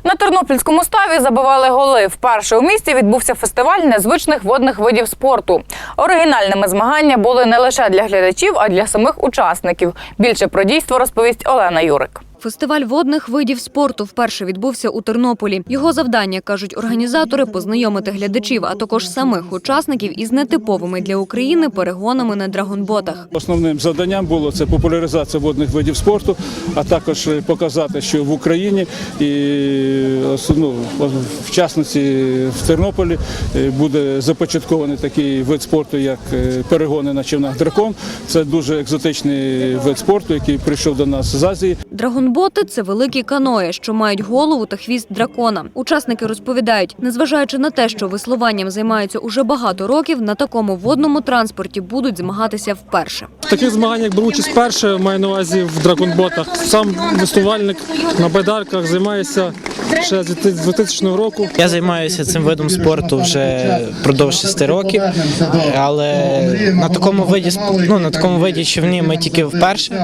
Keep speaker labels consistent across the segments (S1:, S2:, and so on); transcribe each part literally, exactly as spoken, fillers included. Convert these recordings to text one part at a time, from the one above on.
S1: На тернопільському ставі забивали голи. Вперше у місті відбувся фестиваль незвичних водних видів спорту. Оригінальними змагання були не лише для глядачів, а й для самих учасників. Більше про дійство розповість Олена Юрик.
S2: Фестиваль водних видів спорту вперше відбувся у Тернополі. Його завдання, кажуть організатори, познайомити глядачів, а також самих учасників із нетиповими для України перегонами на драгонботах.
S3: Основним завданням було це популяризація водних видів спорту, а також показати, що в Україні і ну, в частності в Тернополі буде започаткований такий вид спорту, як перегони на човнах «Дракон». Це дуже екзотичний вид спорту, який прийшов до нас з Азії.
S2: Драгонботи – це великі каної, що мають голову та хвіст дракона. Учасники розповідають, незважаючи на те, що веслуванням займаються уже багато років, на такому водному транспорті будуть змагатися вперше.
S4: В таких змаганнях беру участь вперше, маю на увазі в драгонботах. Сам веслувальник на байдарках займається ще з дві тисячного року.
S5: Я займаюся цим видом спорту вже впродовж шести років, але на такому виді, ну, на такому виді човні ми тільки вперше.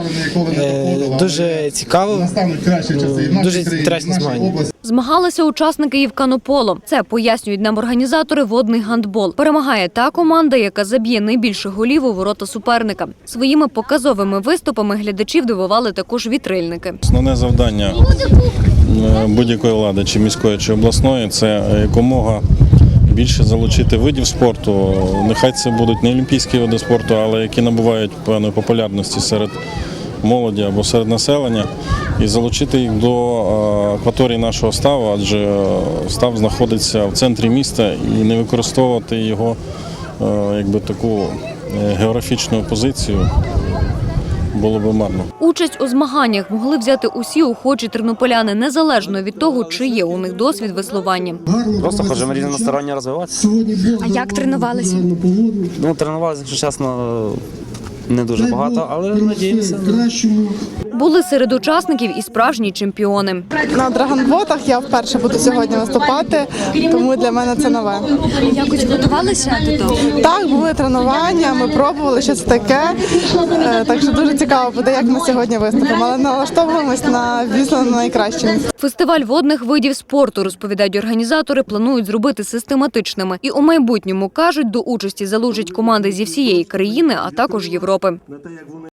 S5: Дуже цікаво, дуже інтересні змагання.
S2: Змагалися учасники і в канополо. Це, пояснюють нам організатори, водний гандбол. Перемагає та команда, яка заб'є найбільше голів у ворота суперника. Своїми показовими виступами глядачів дивували також вітрильники.
S6: Основне завдання будь-якої влади, чи міської, чи обласної, це якомога більше залучити видів спорту. Нехай це будуть не олімпійські види спорту, але які набувають певної популярності серед молоді або серед населення, і залучити їх до акваторії нашого ставу, адже став знаходиться в центрі міста, і не використовувати його якби таку географічну позицію було б марно.
S2: Участь у змаганнях могли взяти усі охочі тернополяни, незалежно від того, чи є у них досвід веслування.
S7: Просто хочемо різносторонньо розвиватися.
S2: А як тренувалися?
S7: Ну, тренувалися, якщо чесно, не дуже багато, але надіємося.
S2: Були серед учасників і справжні чемпіони.
S8: На драгонботах я вперше буду сьогодні виступати, тому для мене це нове.
S2: Якось готувалися до того?
S8: Так, були тренування, ми пробували, що це таке, так що дуже цікаво буде, як ми сьогодні виступимо, але налаштовуємось на, звісно, на найкраще.
S2: Фестиваль водних видів спорту, розповідають організатори, планують зробити систематичними. І у майбутньому, кажуть, до участі залучать команди зі всієї країни, а також Європи.